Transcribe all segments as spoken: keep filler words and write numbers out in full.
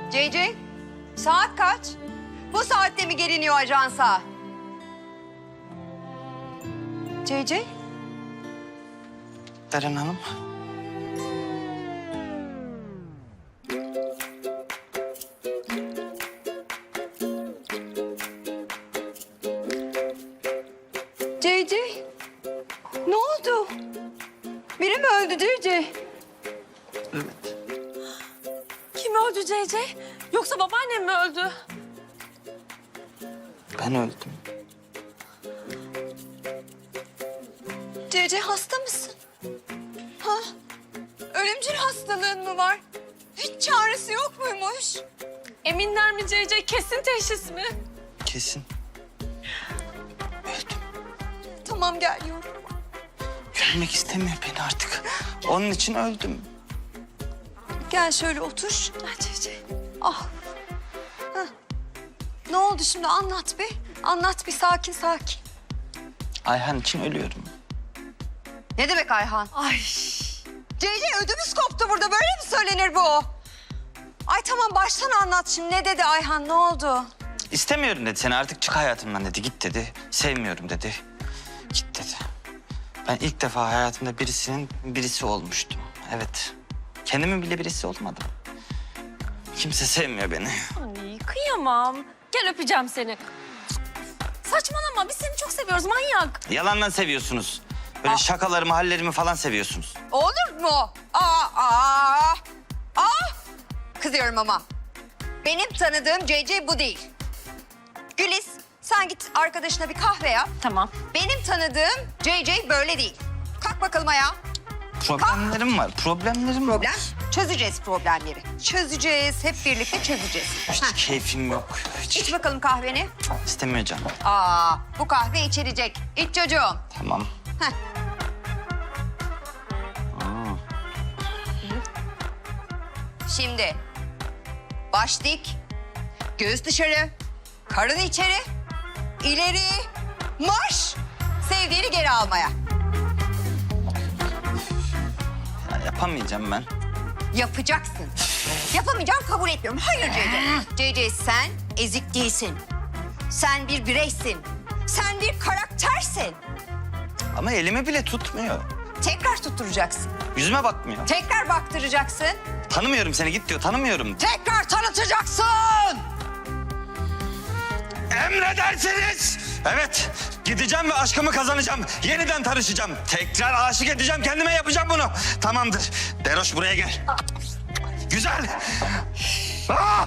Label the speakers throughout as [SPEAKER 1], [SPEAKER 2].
[SPEAKER 1] C C, saat kaç? Bu saatte mi geliniyor ajansa? C C?
[SPEAKER 2] Deren Hanım.
[SPEAKER 1] C C, ne oldu? Biri mi öldü C C?
[SPEAKER 2] Evet.
[SPEAKER 3] Kim öldü C C? Yoksa babaannem mi öldü?
[SPEAKER 2] Ben öldüm.
[SPEAKER 1] C C hasta mısın? Ha? Ölümcül hastalığın mı var? Hiç çaresi yok muymuş?
[SPEAKER 3] Eminler mi C C? Kesin teşhis mi?
[SPEAKER 2] Kesin. Öldüm.
[SPEAKER 1] Tamam gel yavrum.
[SPEAKER 2] Görmek istemiyor beni artık. Onun için öldüm.
[SPEAKER 1] Gel şöyle otur.
[SPEAKER 3] Ah C C.
[SPEAKER 1] Ah. Hah. Ne oldu şimdi anlat bir. Anlat bir sakin sakin.
[SPEAKER 2] Ayhan için ölüyorum.
[SPEAKER 1] Ne demek Ayhan?
[SPEAKER 3] Ay.
[SPEAKER 1] C C ödümüz koptu burada. Böyle mi söylenir bu? Ay tamam baştan anlat şimdi. Ne dedi Ayhan? Ne oldu?
[SPEAKER 2] İstemiyorum dedi seni, artık çık hayatımdan dedi. Git dedi. Sevmiyorum dedi. Git dedi. Ben ilk defa hayatımda birisinin birisi olmuştum. Evet. Kendimin bile birisi olmadım. Kimse sevmiyor beni.
[SPEAKER 3] Ay kıyamam. Gel öpeceğim seni. Saçmalama biz seni çok seviyoruz manyak.
[SPEAKER 2] Yalandan seviyorsunuz. Böyle şakalarımı, hallerimi falan seviyorsunuz.
[SPEAKER 1] Olur mu? Aa, aa, aa. Kızıyorum ama. Benim tanıdığım C C bu değil. Güliz, sen git arkadaşına bir kahve yap.
[SPEAKER 3] Tamam.
[SPEAKER 1] Benim tanıdığım C C böyle değil. Kalk bakalım ayağa.
[SPEAKER 2] Problemlerim var, problemlerim var.
[SPEAKER 1] Problem? Çözeceğiz problemleri. Çözeceğiz, hep birlikte çözeceğiz.
[SPEAKER 2] Hiç
[SPEAKER 1] Heh,
[SPEAKER 2] keyfim yok. Hiç
[SPEAKER 1] İç bakalım kahveni.
[SPEAKER 2] istemiyor canım.
[SPEAKER 1] Aa, bu kahve içilecek. İç çocuğum.
[SPEAKER 2] Tamam.
[SPEAKER 1] Heh. Şimdi baş dik, göğüs dışarı, karın içeri, ileri, marş. Sevdiğini geri almaya.
[SPEAKER 2] Ya yapamayacağım ben.
[SPEAKER 1] Yapacaksın. Yapamayacağım kabul etmiyorum. Hayır C C. C C sen ezik değilsin. Sen bir bireysin. Sen bir karaktersin.
[SPEAKER 2] Ama elimi bile tutmuyor.
[SPEAKER 1] Tekrar tutturacaksın.
[SPEAKER 2] Yüzüme bakmıyor.
[SPEAKER 1] Tekrar baktıracaksın.
[SPEAKER 2] Tanımıyorum seni, git diyor, tanımıyorum.
[SPEAKER 1] Tekrar tanıtacaksın.
[SPEAKER 2] Emredersiniz. Evet, gideceğim ve aşkımı kazanacağım. Yeniden tanışacağım. Tekrar aşık edeceğim, kendime yapacağım bunu. Tamamdır. Deroş buraya gel. Güzel. Ah!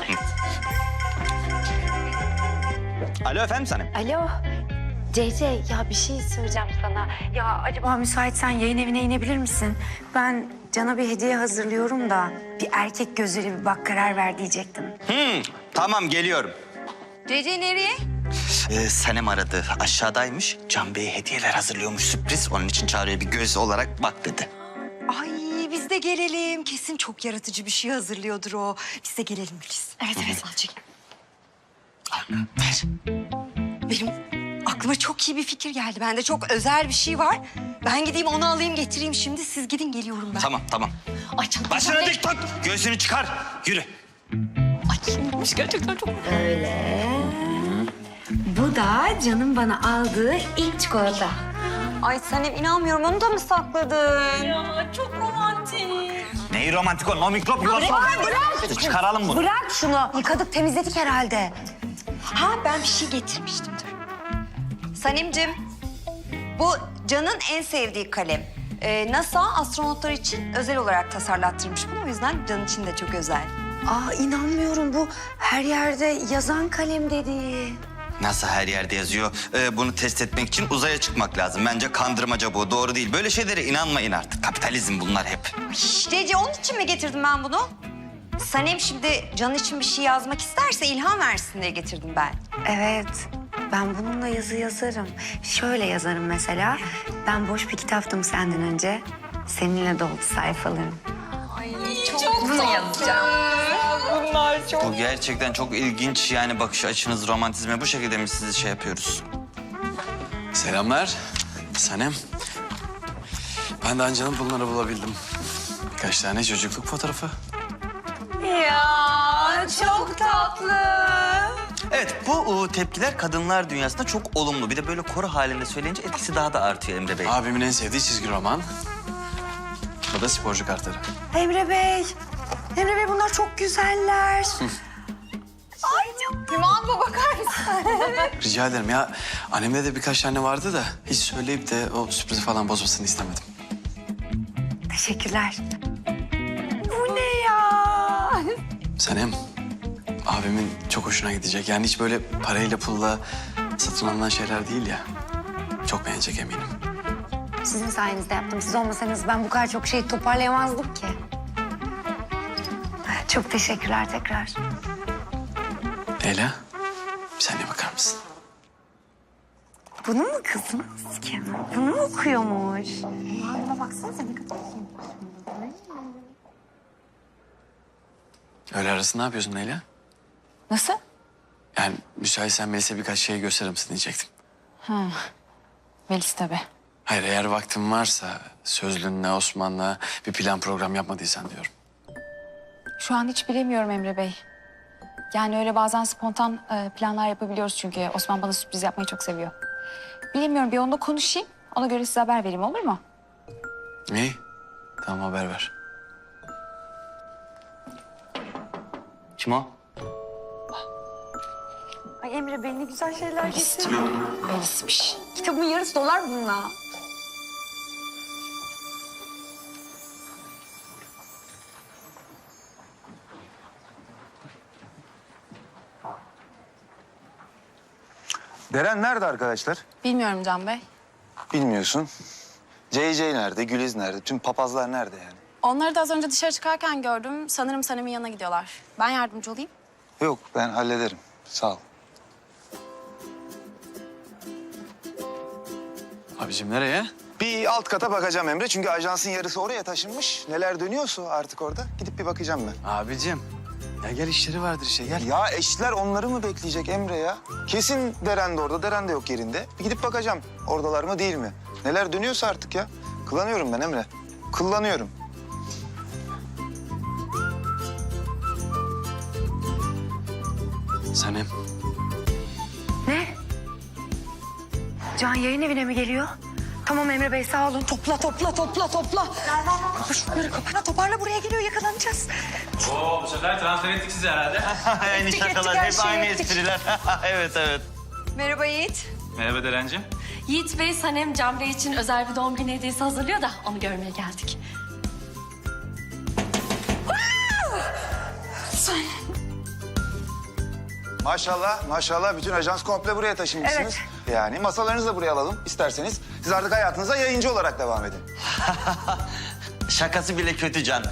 [SPEAKER 2] Alo efendim Sanem.
[SPEAKER 4] Alo. C C ya bir şey söyleyeceğim sana. Ya acaba müsaitsen yayın evine inebilir misin? Ben Can'a bir hediye hazırlıyorum da bir erkek gözüyle bir bak karar ver diyecektim.
[SPEAKER 2] Hmm, tamam geliyorum.
[SPEAKER 1] C C nereye?
[SPEAKER 2] Ee, Sanem aradı. Aşağıdaymış. Can Bey'e hediyeler hazırlıyormuş, sürpriz. Onun için çağırıyor, bir göz olarak bak dedi.
[SPEAKER 1] Ay biz de gelelim. Kesin çok yaratıcı bir şey hazırlıyordur o. Biz de gelelim Güliz.
[SPEAKER 3] Evet evet azıcık.
[SPEAKER 2] Ver.
[SPEAKER 1] Benim aklıma çok iyi bir fikir geldi. Bende çok özel bir şey var. Ben gideyim onu alayım getireyim şimdi. Siz gidin geliyorum ben.
[SPEAKER 2] Tamam, tamam.
[SPEAKER 3] Ay canım.
[SPEAKER 2] Başını dik tut. Göğsünü çıkar. Yürü.
[SPEAKER 3] Ay kimmiş gerçekten çok.
[SPEAKER 4] Öyle. Bu da Can'ın bana aldığı ilk çikolata.
[SPEAKER 1] Ay Sanem inanmıyorum onu da mı sakladın?
[SPEAKER 3] Ya çok romantik.
[SPEAKER 2] Neyi romantik o? No mikrop yuvası.
[SPEAKER 1] bırak.
[SPEAKER 2] Çıkaralım bunu.
[SPEAKER 1] Bırak şunu. Yıkadık temizledik herhalde. Ha ben bir şey getirmiştim dur. Sanemcim bu Can'ın en sevdiği kalem. Ee, NASA astronotlar için özel olarak tasarlattırmış bunu. O yüzden Can için de çok özel.
[SPEAKER 4] Aa inanmıyorum bu her yerde yazan kalem dedi.
[SPEAKER 2] Nasıl her yerde yazıyor? Ee, bunu test etmek için uzaya çıkmak lazım. Bence kandırmaca bu. Doğru değil. Böyle şeylere inanmayın artık. Kapitalizm bunlar hep.
[SPEAKER 1] Cece onun için mi getirdim ben bunu? Sanem şimdi Can için bir şey yazmak isterse ilham versin diye getirdim ben.
[SPEAKER 4] Evet, ben bununla yazı yazarım. Şöyle yazarım mesela. Ben boş bir kitaptım senden önce. Seninle doldu sayfalarım.
[SPEAKER 3] Çok bunu yazacağım. Bunlar çok.
[SPEAKER 2] Bu gerçekten çok ilginç. Yani bakış açınız romantizme bu şekilde mi sizi şey yapıyoruz?
[SPEAKER 5] Selamlar. Sanem. Ben de Ancan'ın bunları bulabildim. Birkaç tane çocukluk fotoğrafı.
[SPEAKER 3] Ya
[SPEAKER 1] çok tatlı.
[SPEAKER 2] Evet, bu o, tepkiler kadınlar dünyasında çok olumlu. Bir de böyle koro halinde söyleyince etkisi daha da artıyor Emre Bey.
[SPEAKER 5] Abimin en sevdiği çizgi roman. Bu da sporcu kartları.
[SPEAKER 4] Emre Bey. Emre Bey bunlar çok güzeller.
[SPEAKER 1] Hüman bu bakar mısın?
[SPEAKER 5] Rica ederim ya. Annemde de birkaç tane vardı da hiç söyleyip de o sürprizi falan bozmasını istemedim.
[SPEAKER 4] Teşekkürler. Bu ne ya?
[SPEAKER 5] Sanem, abimin çok hoşuna gidecek. Yani hiç böyle parayla pulla satın alınan şeyler değil ya. Çok beğenecek eminim.
[SPEAKER 4] Sizin sayenizde yaptım. Siz olmasanız ben bu kadar çok şey toparlayamazdım ki. Çok teşekkürler tekrar.
[SPEAKER 5] Leyla, bir saniye bakar mısın?
[SPEAKER 4] Bunu mu kızınız ki? Bunu mu okuyormuş? Buna baksanıza ne kadar
[SPEAKER 5] Öğle arası ne yapıyorsun Leyla?
[SPEAKER 3] Nasıl?
[SPEAKER 5] Yani müsaitsen Melis'e birkaç şey gösterir misin diyecektim.
[SPEAKER 3] Melis tabii.
[SPEAKER 5] Hayır, eğer vaktin varsa Sözlü'nle, Osman'la bir plan program yapmadıysan diyorum.
[SPEAKER 6] Şu an hiç bilemiyorum Emre Bey. Yani öyle bazen spontan e, planlar yapabiliyoruz çünkü Osman bana sürpriz yapmayı çok seviyor. Bilemiyorum, bir onunla konuşayım. Ona göre size haber vereyim, olur mu?
[SPEAKER 5] İyi, tamam haber ver.
[SPEAKER 2] Kim o?
[SPEAKER 4] Ay Emre Bey ne güzel şeyler getirdi.
[SPEAKER 6] Melis'miş.
[SPEAKER 4] Kitabın yarısı dolar bununla.
[SPEAKER 7] Deren nerede arkadaşlar?
[SPEAKER 6] Bilmiyorum Can Bey.
[SPEAKER 7] Bilmiyorsun. C C nerede? Güliz nerede? Tüm papazlar nerede yani?
[SPEAKER 6] Onları da az önce dışarı çıkarken gördüm. Sanırım Sanem'in yanına gidiyorlar. Ben yardımcı olayım.
[SPEAKER 7] Yok ben hallederim. Sağ ol.
[SPEAKER 5] Abicim nereye?
[SPEAKER 7] Bir alt kata bakacağım Emre. Çünkü ajansın yarısı oraya taşınmış. Neler dönüyorsa artık orada. Gidip bir bakacağım ben.
[SPEAKER 5] Abicim, ya gel işleri vardır işte gel.
[SPEAKER 7] Ya eşler onları mı bekleyecek Emre ya? Kesin Deren de orada, Deren de yok yerinde. Bir gidip bakacağım. Oradalar mı değil mi? Neler dönüyorsa artık ya. Kıllanıyorum ben Emre. Kıllanıyorum.
[SPEAKER 5] Sanem,
[SPEAKER 4] Ne? Can yayın evine mi geliyor? Tamam Emre Bey sağ olun. Topla topla topla topla. Kapa şunları kapa. Toparla buraya geliyor yakalanacağız.
[SPEAKER 8] Oo, bu sefer transfer ettik sizi herhalde.
[SPEAKER 2] aynı
[SPEAKER 4] ettik,
[SPEAKER 2] şakalar,
[SPEAKER 4] her
[SPEAKER 2] hep
[SPEAKER 4] şeyi
[SPEAKER 2] aynı
[SPEAKER 4] ettik.
[SPEAKER 2] espriler. Evet, evet.
[SPEAKER 1] Merhaba Yiğit.
[SPEAKER 8] Merhaba Derencim.
[SPEAKER 3] Yiğit Bey, Sanem Can Bey için özel bir doğum günü hediyesi hazırlıyor da onu görmeye geldik.
[SPEAKER 7] Maşallah, maşallah. Bütün ajans komple buraya taşınmışsınız. Yani masalarınızı da buraya alalım isterseniz. Siz artık hayatınıza yayıncı olarak devam edin.
[SPEAKER 2] Şakası bile kötü Can.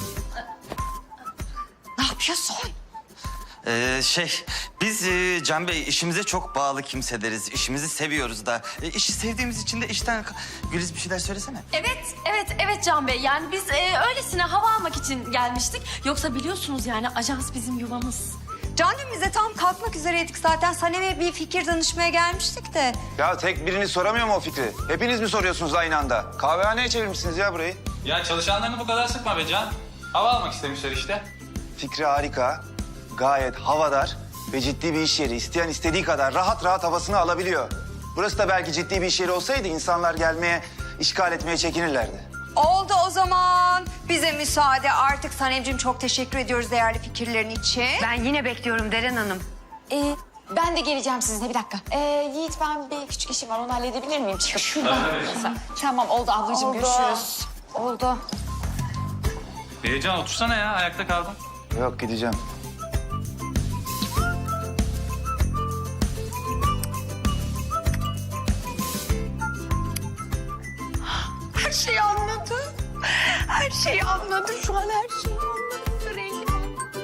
[SPEAKER 1] Ne yapıyorsun?
[SPEAKER 2] Ee, şey, biz e, Can Bey işimize çok bağlı kimseleriz. İşimizi seviyoruz da. E, işi sevdiğimiz için de işten... Güliz bir şeyler söylesene.
[SPEAKER 3] Evet, evet, evet Can Bey. Yani biz e, öylesine hava almak için gelmiştik. Yoksa biliyorsunuz yani ajans bizim yuvamız.
[SPEAKER 1] Can dün bize tam kalkmak üzereydik zaten. Sanem'e bir fikir danışmaya gelmiştik de.
[SPEAKER 7] Ya tek biriniz soramıyor mu o fikri? Hepiniz mi soruyorsunuz aynı anda? Kahvehaneye çevirmişsiniz ya burayı.
[SPEAKER 8] Ya çalışanlarını bu kadar sıkma be Can. Hava almak istemişler işte.
[SPEAKER 7] Fikri harika, gayet havadar ve ciddi bir iş yeri. İsteyen istediği kadar rahat rahat havasını alabiliyor. Burası da belki ciddi bir iş yeri olsaydı insanlar gelmeye, işgal etmeye çekinirlerdi.
[SPEAKER 1] Oldu o zaman. Bize müsaade. Artık Sanemciğim çok teşekkür ediyoruz değerli fikirlerin için.
[SPEAKER 4] Ben yine bekliyorum Deren Hanım.
[SPEAKER 6] Ee, ben de geleceğim sizinle, bir dakika. Ee, Yiğit, ben bir küçük işim var, onu halledebilir miyim? Çıkıp şuradan. Tamam, oldu ablacığım,
[SPEAKER 4] Oldu.
[SPEAKER 6] görüşürüz.
[SPEAKER 4] Oldu.
[SPEAKER 8] Ee, Can otursana ya, ayakta kaldın.
[SPEAKER 7] Yok gideceğim.
[SPEAKER 4] Her şeyi anladı. Her şeyi anladı. Şu an her şeyi anladı. Rengi.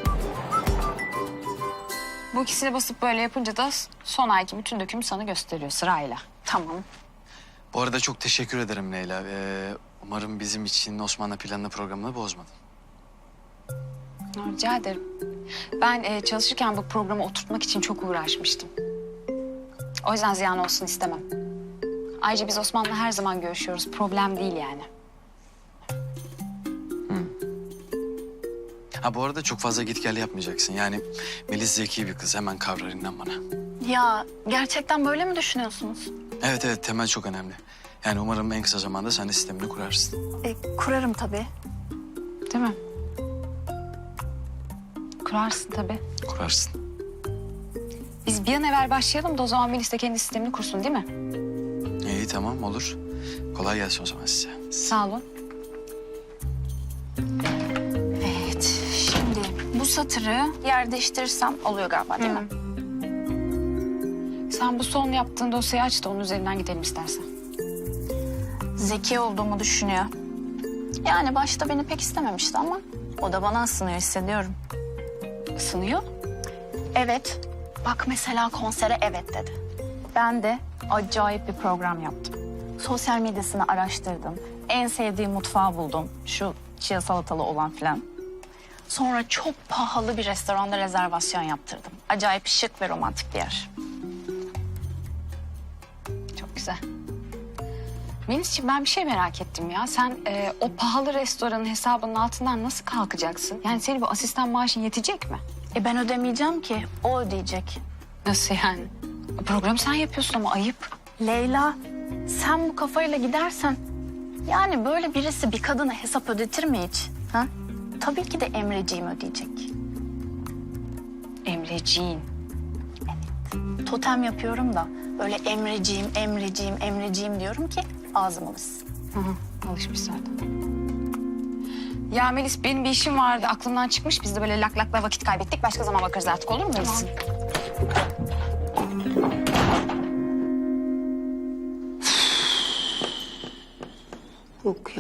[SPEAKER 6] Bu ikisini basıp böyle yapınca da son ayki bütün dökümü sana gösteriyor sırayla. Tamam.
[SPEAKER 5] bu arada çok teşekkür ederim Leyla. Ee, umarım bizim için Osman'la planla programını bozmadın.
[SPEAKER 6] Rica ederim. Ben e, çalışırken bu programı oturtmak için çok uğraşmıştım. O yüzden ziyan olsun istemem. Ayrıca biz Osman'la her zaman görüşüyoruz. Problem değil yani.
[SPEAKER 5] Ha bu arada çok fazla git gel yapmayacaksın. Yani Melis zeki bir kız, hemen kavrar, inan bana.
[SPEAKER 9] Ya gerçekten böyle mi düşünüyorsunuz?
[SPEAKER 5] Evet evet, temel çok önemli. Yani umarım en kısa zamanda sen de sistemini kurarsın.
[SPEAKER 9] E, kurarım tabii.
[SPEAKER 6] Değil mi? Kurarsın tabii.
[SPEAKER 5] Kurarsın.
[SPEAKER 6] Biz bir an evvel başlayalım da o zaman Melis de kendi sistemini kursun değil mi?
[SPEAKER 5] İyi tamam, olur. Kolay gelsin o zaman size.
[SPEAKER 6] Sağ olun. Evet, şimdi bu satırı yer değiştirirsem oluyor galiba değil mi? Sen bu son yaptığın dosyayı aç da onun üzerinden gidelim istersen.
[SPEAKER 9] Zeki olduğumu düşünüyor. Yani başta beni pek istememişti ama o da bana ısınıyor, hissediyorum.
[SPEAKER 6] Isınıyor.
[SPEAKER 9] Evet. Bak mesela konsere evet dedi. Ben de acayip bir program yaptım. Sosyal medyasını araştırdım. En sevdiği mutfağı buldum. Şu chia salatalı olan filan. Sonra çok pahalı bir restoranda rezervasyon yaptırdım. Acayip şık ve romantik bir yer.
[SPEAKER 6] Çok güzel. Melisciğim ben bir şey merak ettim ya. Sen e, o pahalı restoranın hesabının altından nasıl kalkacaksın? Yani senin bu asistan maaşın yetecek mi?
[SPEAKER 9] E ben ödemeyeceğim ki. O ödeyecek.
[SPEAKER 6] Nasıl yani? Programı sen yapıyorsun ama ayıp.
[SPEAKER 9] Leyla, sen bu kafayla gidersen... Yani böyle birisi bir kadına hesap ödetir mi hiç? Ha? Tabii ki de Emreciğim ödeyecek.
[SPEAKER 6] Emreciğin.
[SPEAKER 9] Totem yapıyorum da böyle Emreciğim, Emreciğim, Emreciğim diyorum ki ağzım alışsın.
[SPEAKER 6] Hı hı, alışmış zaten. Ya Melis benim bir işim vardı. Aklımdan çıkmış. Biz de böyle lak lakla vakit kaybettik. Başka zaman bakarız artık, olur mu Melis?
[SPEAKER 1] Yok ya.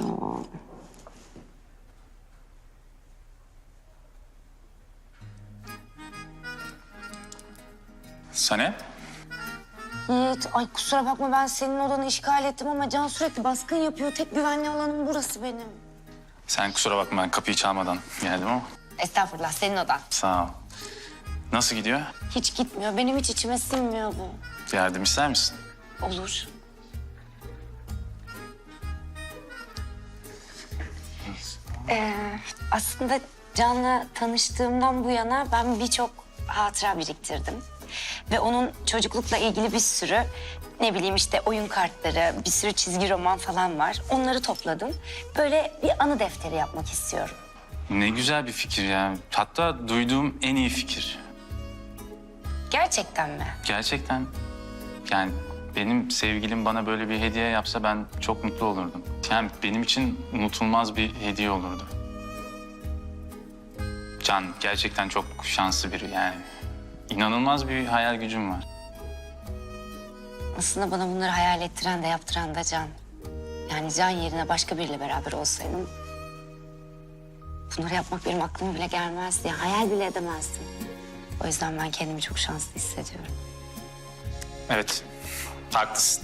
[SPEAKER 8] Sanem?
[SPEAKER 4] Yiğit, ay kusura bakma ben senin odanı işgal ettim ama Can sürekli baskın yapıyor. Tek güvenli alanım burası benim.
[SPEAKER 8] Sen kusura bakma, ben kapıyı çalmadan geldim ama
[SPEAKER 4] Estağfurullah, senin odan.
[SPEAKER 8] sağ ol. Nasıl gidiyor?
[SPEAKER 4] Hiç gitmiyor. Benim hiç içime sinmiyor bu.
[SPEAKER 8] Yardım ister misin?
[SPEAKER 4] Olur. Ee, aslında Can'la tanıştığımdan bu yana ben birçok hatıra biriktirdim. Ve onun çocuklukla ilgili bir sürü ne bileyim işte oyun kartları, bir sürü çizgi roman falan var. Onları topladım. Böyle bir anı defteri yapmak istiyorum.
[SPEAKER 8] Ne güzel bir fikir ya. Hatta duyduğum en iyi fikir.
[SPEAKER 4] Gerçekten mi?
[SPEAKER 8] Gerçekten. Yani benim sevgilim bana böyle bir hediye yapsa ben çok mutlu olurdum. Yani benim için unutulmaz bir hediye olurdu. Can gerçekten çok şanslı biri yani. İnanılmaz bir hayal gücüm var.
[SPEAKER 4] Aslında bana bunları hayal ettiren de yaptıran da Can. Yani Can yerine başka biriyle beraber olsaydım... bunları yapmak benim aklıma bile gelmezdi. Yani hayal bile edemezdim. O yüzden ben kendimi çok şanslı hissediyorum.
[SPEAKER 8] Evet, haklısın.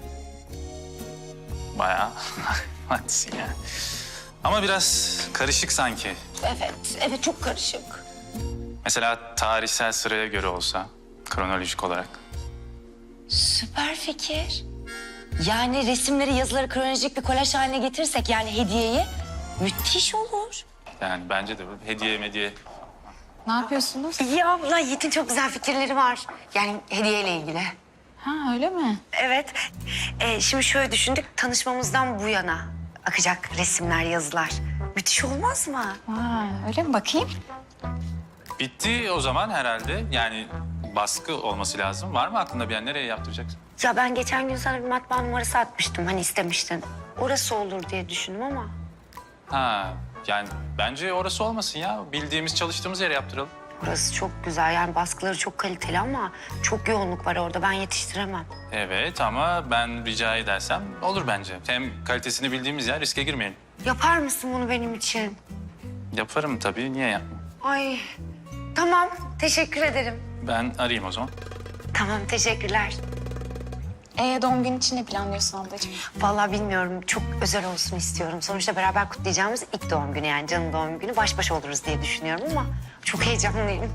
[SPEAKER 8] Bayağı haklısın yani. Ama biraz karışık sanki.
[SPEAKER 4] Evet, evet çok karışık.
[SPEAKER 8] Mesela tarihsel sıraya göre olsa, kronolojik olarak.
[SPEAKER 4] Süper fikir. Yani resimleri, yazıları kronolojik bir kolaj haline getirirsek yani hediyeyi müthiş olur.
[SPEAKER 8] Yani bence de bu hediye mediye.
[SPEAKER 6] Ne yapıyorsunuz?
[SPEAKER 4] Ya abla Yiğit'in çok güzel fikirleri var. Yani hediyeyle ilgili.
[SPEAKER 6] Ha öyle mi?
[SPEAKER 4] Evet. Ee, şimdi şöyle düşündük. Tanışmamızdan bu yana akacak resimler, yazılar. Müthiş olmaz mı?
[SPEAKER 6] Ha, öyle mi? Bakayım.
[SPEAKER 8] Bitti o zaman herhalde. Yani baskı olması lazım. Var mı aklında bir yer? Nereye yaptıracaksın?
[SPEAKER 4] Ya ben geçen gün sana bir matbaa numarası atmıştım. Hani istemiştin. Orası olur diye düşündüm ama.
[SPEAKER 8] Ha, yani bence orası olmasın ya. Bildiğimiz, çalıştığımız yere yaptıralım.
[SPEAKER 4] Orası çok güzel. Yani baskıları çok kaliteli ama çok yoğunluk var orada. Ben yetiştiremem.
[SPEAKER 8] Evet ama ben rica edersem olur bence. Hem kalitesini bildiğimiz yer, riske girmeyelim.
[SPEAKER 4] Yapar mısın bunu benim için?
[SPEAKER 8] Yaparım tabii. Niye yapmayayım?
[SPEAKER 4] Ay tamam. Teşekkür ederim.
[SPEAKER 8] Ben arayayım o zaman.
[SPEAKER 4] Tamam teşekkürler.
[SPEAKER 6] Ee, doğum günü için ne planlıyorsun ablacığım?
[SPEAKER 4] Vallahi bilmiyorum. Çok özel olsun istiyorum. Sonuçta beraber kutlayacağımız ilk doğum günü yani Can'ın doğum günü. Baş başa oluruz diye düşünüyorum ama çok heyecanlıyım.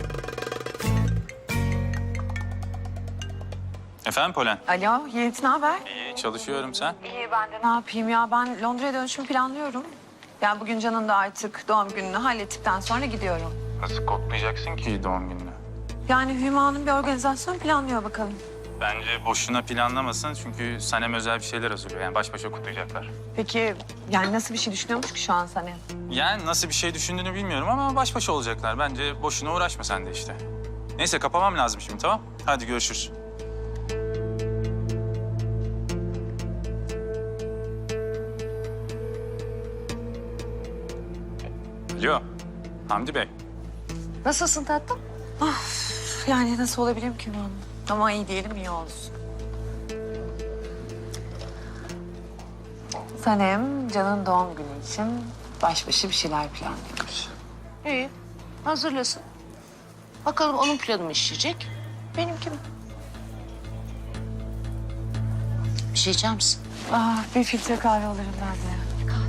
[SPEAKER 8] Efendim Polen?
[SPEAKER 10] Alo, Yiğit ne haber?
[SPEAKER 8] İyi, çalışıyorum sen.
[SPEAKER 10] İyi ben de ne yapayım ya? Ben Londra'ya dönüşümü planlıyorum. Yani bugün Can'ın da artık doğum gününü hallettikten sonra gidiyorum.
[SPEAKER 8] Nasıl kutlayacaksın ki doğum gününü?
[SPEAKER 10] Yani Hüma'nın bir organizasyon planlıyor bakalım.
[SPEAKER 8] Bence boşuna planlamasın çünkü Sanem özel bir şeyler hazırlıyor. Yani baş başa kutlayacaklar.
[SPEAKER 10] Peki yani nasıl bir şey düşünüyormuş ki şu an sana?
[SPEAKER 8] Yani nasıl bir şey düşündüğünü bilmiyorum ama baş başa olacaklar. Bence boşuna uğraşma sen de işte. Neyse kapamam lazım şimdi, tamam? Hadi görüşürüz. Alo, Hamdi Bey.
[SPEAKER 6] Nasılsın tatlım?
[SPEAKER 10] Yani nasıl olabilirim ki onun? Ama iyi diyelim iyi olsun. Sanem Can'ın doğum günü için baş başa bir şeyler planlıyormuş.
[SPEAKER 11] İyi, hazırlasın. Bakalım onun planı mı işleyecek, benimki mi? Bir şey içer misin?
[SPEAKER 10] Ah, bir filtre kahve alırım ben de.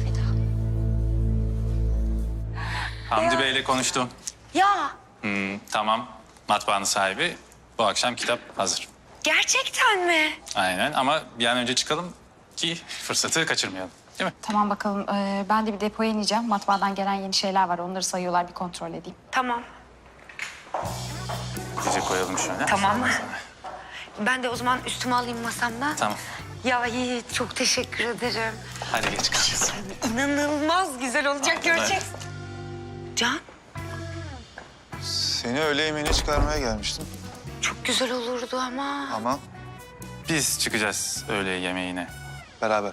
[SPEAKER 8] Hamdi Bey'le konuştum.
[SPEAKER 1] Ya
[SPEAKER 8] Hmm, tamam, matbaanın sahibi. Bu akşam kitap hazır.
[SPEAKER 1] gerçekten mi?
[SPEAKER 8] Aynen ama bir an önce çıkalım ki fırsatı kaçırmayalım. Değil mi?
[SPEAKER 6] Tamam bakalım. Ee, ben de bir depoya ineceğim. Matbaadan gelen yeni şeyler var. Onları sayıyorlar. Bir kontrol edeyim.
[SPEAKER 1] Tamam.
[SPEAKER 8] Dize koyalım şöyle.
[SPEAKER 1] Tamam mı? Ben de o zaman üstüme alayım masamdan.
[SPEAKER 8] Tamam.
[SPEAKER 1] Ya Yiğit çok teşekkür ederim.
[SPEAKER 8] Hadi geç kalacağız.
[SPEAKER 1] İnanılmaz güzel olacak göreceksin. Can
[SPEAKER 7] Seni öğle yemeğine çıkarmaya gelmiştim
[SPEAKER 1] çok güzel olurdu ama.
[SPEAKER 7] ama
[SPEAKER 8] Biz çıkacağız öğle yemeğine.
[SPEAKER 7] beraber.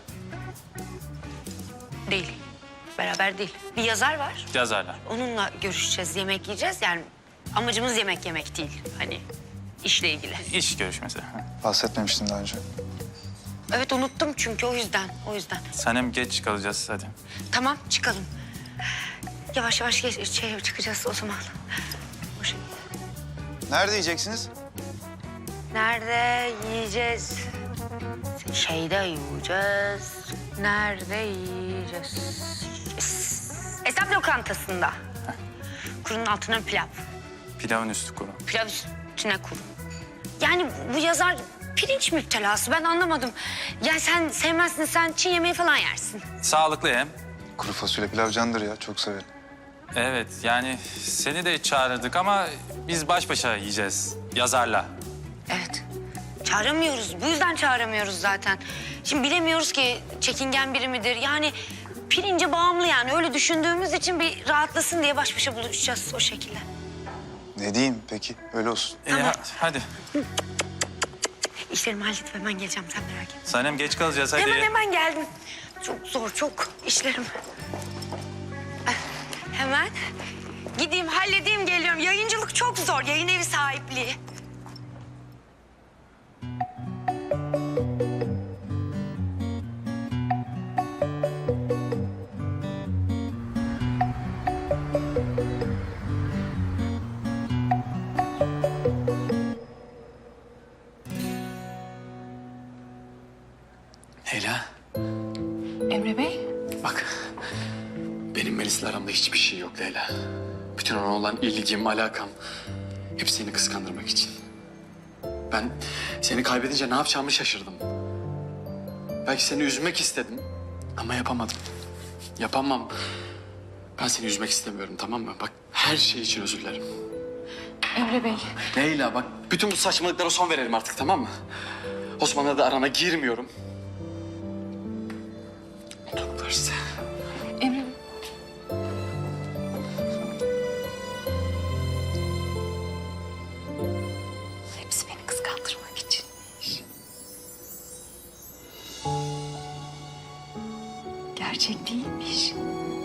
[SPEAKER 1] Değil. Beraber değil. Bir yazar var.
[SPEAKER 8] Yazarlar.
[SPEAKER 1] Onunla görüşeceğiz, yemek yiyeceğiz. Yani amacımız yemek yemek değil. Hani işle ilgili.
[SPEAKER 8] İş görüşmesi.
[SPEAKER 7] Bahsetmemiştin daha önce.
[SPEAKER 1] Evet unuttum çünkü o yüzden. O yüzden.
[SPEAKER 8] Sanem geç kalacağız hadi.
[SPEAKER 1] Tamam çıkalım. Yavaş yavaş geç, şey, çıkacağız o zaman. O şekilde.
[SPEAKER 7] Nerede yiyeceksiniz?
[SPEAKER 1] Nerede yiyeceğiz? Şeyde yiyeceğiz. Nerede yiyeceğiz? Es- Esnaf lokantasında. Kurunun altına pilav.
[SPEAKER 8] Pilavın üstü kuru.
[SPEAKER 1] Pilav üstüne kuru. Yani bu yazar pirinç müptelası. Ben anlamadım. Ya sen sevmezsin, sen Çin yemeği falan yersin.
[SPEAKER 8] Sağlıklı hem.
[SPEAKER 7] Kuru fasulye pilav candır ya, çok severim.
[SPEAKER 8] Evet yani seni de çağırdık ama biz baş başa yiyeceğiz yazarla.
[SPEAKER 1] Evet. Çağıramıyoruz. Bu yüzden çağıramıyoruz zaten. Şimdi bilemiyoruz ki çekingen biri midir? Yani pirince bağımlı yani. Öyle düşündüğümüz için bir rahatlasın diye baş başa buluşacağız o şekilde.
[SPEAKER 7] Ne diyeyim peki, öyle olsun.
[SPEAKER 8] İyi ha- hadi.
[SPEAKER 1] İşlerimi halledip hemen geleceğim. Sen merak etme.
[SPEAKER 8] Sanem geç kalacağız hadi.
[SPEAKER 1] Hemen hemen geldim. Çok zor, çok işlerim. Eh, Hemen gideyim, halledeyim, geliyorum. Yayıncılık çok zor. Yayın evi sahipliği.
[SPEAKER 5] Leyla,
[SPEAKER 10] Emre Bey?
[SPEAKER 5] bak. Benim Melis'le aramda hiçbir şey yok Leyla. Bütün ona olan ilgim, alakam hep seni kıskandırmak için. Ben seni kaybedince ne yapacağımı şaşırdım. Belki seni üzmek istedim ama yapamadım. Yapamam. Ben seni üzmek istemiyorum, tamam mı? Bak her şey için özür dilerim.
[SPEAKER 10] Emre Bey.
[SPEAKER 5] Leyla bak bütün bu saçmalıklara son verelim artık, tamam mı? Osman'la da arana girmiyorum. Mutluluklar.
[SPEAKER 10] Emre
[SPEAKER 6] Hepsi beni kıskandırmak için. Gerçek değilmiş.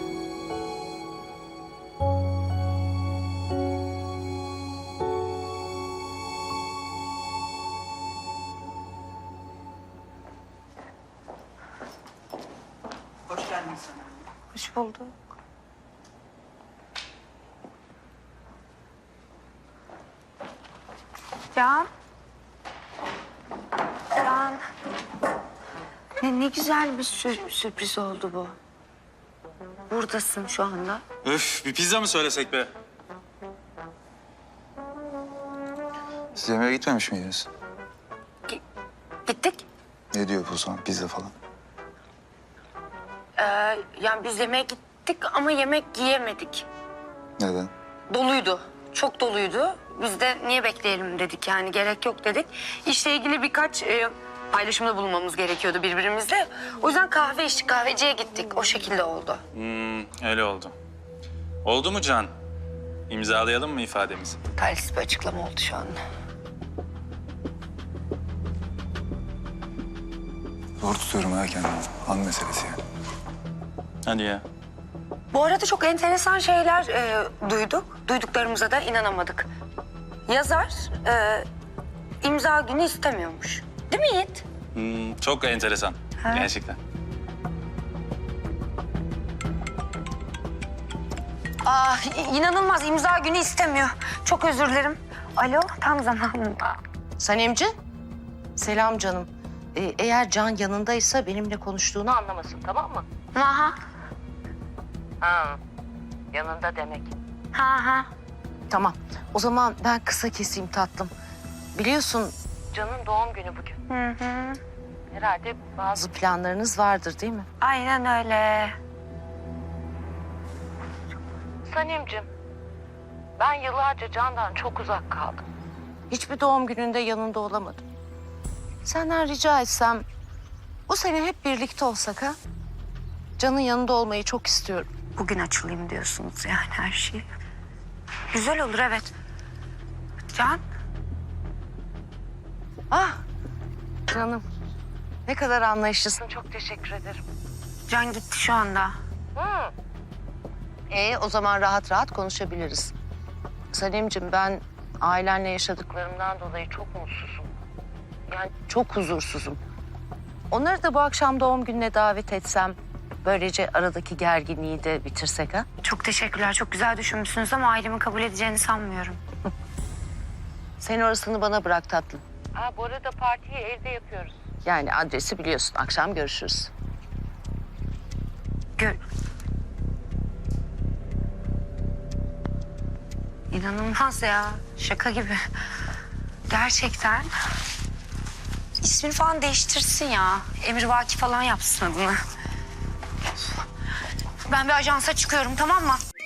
[SPEAKER 10] hoş bulduk.
[SPEAKER 4] Can. Can. Ne, ne güzel bir sür- sürpriz oldu bu. Buradasın şu anda.
[SPEAKER 8] Öf bir pizza mı söylesek be?
[SPEAKER 7] Siz yemeğe gitmemiş miydiniz?
[SPEAKER 4] Gittik.
[SPEAKER 7] Ne diyor bu zaman, pizza falan?
[SPEAKER 4] Ee, yani biz yemeğe gittik gittik ama yemek yiyemedik.
[SPEAKER 7] Neden?
[SPEAKER 4] Doluydu. Çok doluydu. Biz de niye bekleyelim dedik yani gerek yok dedik. İşle ilgili birkaç e, paylaşımda bulunmamız gerekiyordu birbirimizle. O yüzden kahve içtik, kahveciye gittik. O şekilde oldu.
[SPEAKER 8] Hmm, öyle oldu. Oldu mu Can? İmzalayalım mı ifademizi?
[SPEAKER 4] Talihsiz bir açıklama oldu şu anda.
[SPEAKER 7] Zor tutuyorum ha kendimi. An meselesi yani.
[SPEAKER 8] Hadi ya.
[SPEAKER 4] Bu arada çok enteresan şeyler e, duyduk. Duyduklarımıza da inanamadık. Yazar e, imza günü istemiyormuş. Değil mi Yiğit?
[SPEAKER 8] Hmm, çok enteresan.
[SPEAKER 4] Ha.
[SPEAKER 8] Gerçekten.
[SPEAKER 4] Aa, i- inanılmaz imza günü istemiyor. Çok özür dilerim. Alo, tam zamanında.
[SPEAKER 11] Sanemci, selam canım. Ee, eğer Can yanındaysa benimle konuştuğunu anlamasın, tamam mı?
[SPEAKER 4] Ha
[SPEAKER 11] Ha, yanında demek.
[SPEAKER 4] ha ha.
[SPEAKER 11] Tamam, o zaman ben kısa keseyim tatlım. Biliyorsun Can'ın doğum günü bugün.
[SPEAKER 4] Hı hı.
[SPEAKER 11] Herhalde bazı planlarınız vardır değil mi?
[SPEAKER 4] Aynen öyle.
[SPEAKER 11] Sanemcim, ben yıllarca Can'dan çok uzak kaldım. Hiçbir doğum gününde yanında olamadım. Senden rica etsem bu sene hep birlikte olsak ha? Can'ın yanında olmayı çok istiyorum.
[SPEAKER 4] Bugün açılayım diyorsunuz yani her şey. Güzel olur evet. Can,
[SPEAKER 11] Ah canım, ne kadar anlayışlısın. Çok teşekkür ederim.
[SPEAKER 4] Can gitti şu anda.
[SPEAKER 11] Hı. Ee, o zaman rahat rahat konuşabiliriz. Sanemciğim, ben ailenle yaşadıklarımdan dolayı çok mutsuzum. Yani çok huzursuzum. Onları da bu akşam doğum gününe davet etsem... böylece aradaki gerginliği de bitirsek ha?
[SPEAKER 4] Çok teşekkürler. Çok güzel düşünmüşsünüz ama ailemin kabul edeceğini sanmıyorum.
[SPEAKER 11] Sen orasını bana bırak tatlım. Aa, bu arada partiyi evde yapıyoruz. Yani adresi biliyorsun. Akşam görüşürüz.
[SPEAKER 4] Gör... İnanılmaz ya. Şaka gibi. Gerçekten. İsmini falan değiştirsin ya. Emrivaki falan yapsın adını. Ben bir ajansa çıkıyorum, tamam mı?